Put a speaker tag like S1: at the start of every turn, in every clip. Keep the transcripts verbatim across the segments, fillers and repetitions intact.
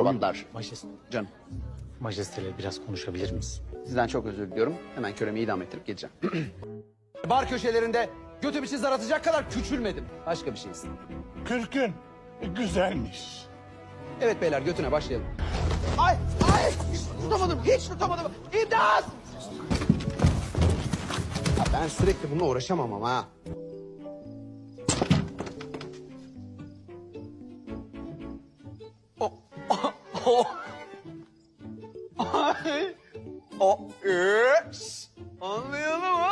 S1: kravatlar.
S2: Majeste,
S1: Canım,
S2: majesteyle biraz konuşabilir miyiz?
S1: sizden çok özür diliyorum. Hemen köremi idam ettirip geleceğim. Bar köşelerinde götü bir şey zaratacak kadar küçülmedim. Başka bir şey istedim.
S3: Kürkün güzelmiş.
S1: Evet beyler, götüne başlayalım. Ay, ay! Hiç tutamadım, hiç tutamadım. İmdat! Ya ben sürekli bununla uğraşamam ama ha. O, o, o. Ay, o, üps. Anlayalım mı?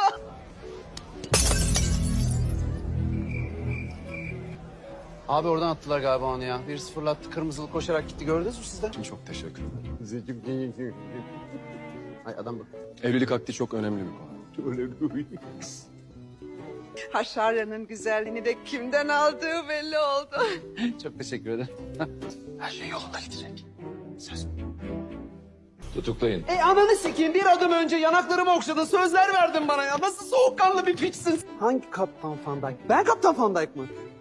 S1: Abi oradan attılar galiba onu ya. Birisi fırlattı, kırmızılı koşarak gitti. Gördünüz mü siz de?
S4: Çok teşekkür ederim.
S1: Ay adam bak.
S4: Evlilik akdi çok önemli bir konu.
S5: Haşaryanın güzelliğini de kimden aldığı belli oldu.
S1: Çok teşekkür ederim.
S4: Her şey yolunda gidecek. Söz. Tutuklayın.
S1: E ananı sikeyim, bir adım önce yanaklarımı okşadın, sözler verdin bana ya. Nasıl soğukkanlı bir piçsin. Hangi Kaptan Van Dijk? Ben Kaptan Van Dijk mı?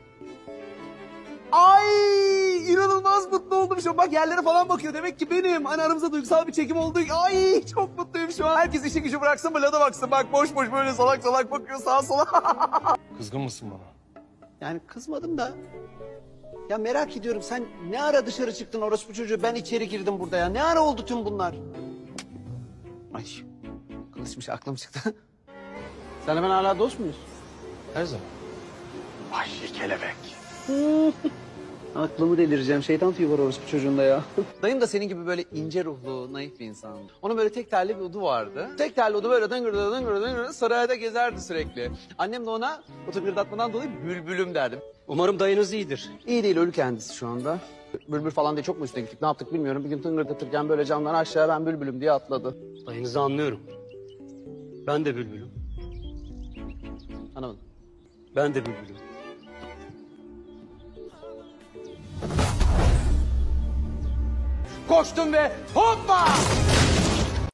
S1: Ay inanılmaz mutlu oldum şu an. Bak yerlere falan bakıyor. Demek ki benim. Hani aramızda duygusal bir çekim oldu. Ay çok mutluyum şu an. Herkes işi gücü bıraksın, Vlad'a baksın. Bak boş boş böyle salak salak bakıyor sağa sola.
S4: Kızgın mısın bana?
S1: Yani kızmadım da. Ya merak ediyorum, sen ne ara dışarı çıktın orospu çocuğu, ben içeri girdim burada ya. Ne ara oldu tüm bunlar? Ay kılıçmış, aklım çıktı. Senle ben hala dost muyuz?
S4: Her zaman. Ay kelebek.
S1: Aklımı delireceğim. Şeytan tüyü var orospu çocuğunda ya. Dayım da senin gibi böyle ince ruhlu, naif bir insandı. Onun böyle tek telli bir udu vardı. Tek telli udu böyle dıngırdı dıngırdı dıngırdı sarayda gezerdi sürekli. Annem de ona o tıngırdatmadan dolayı bülbülüm derdi.
S2: Umarım dayınız iyidir.
S1: İyi değil, ölü kendisi şu anda. Bülbül falan diye çok mu üstüne gittik, ne yaptık bilmiyorum. Bir gün tıngırdatırken böyle camdan aşağı ben bülbülüm diye atladı.
S2: Dayınızı anlıyorum. Ben de bülbülüm.
S1: Anlamadım.
S2: Ben de bülbülüm.
S1: Koştum ve hoppa!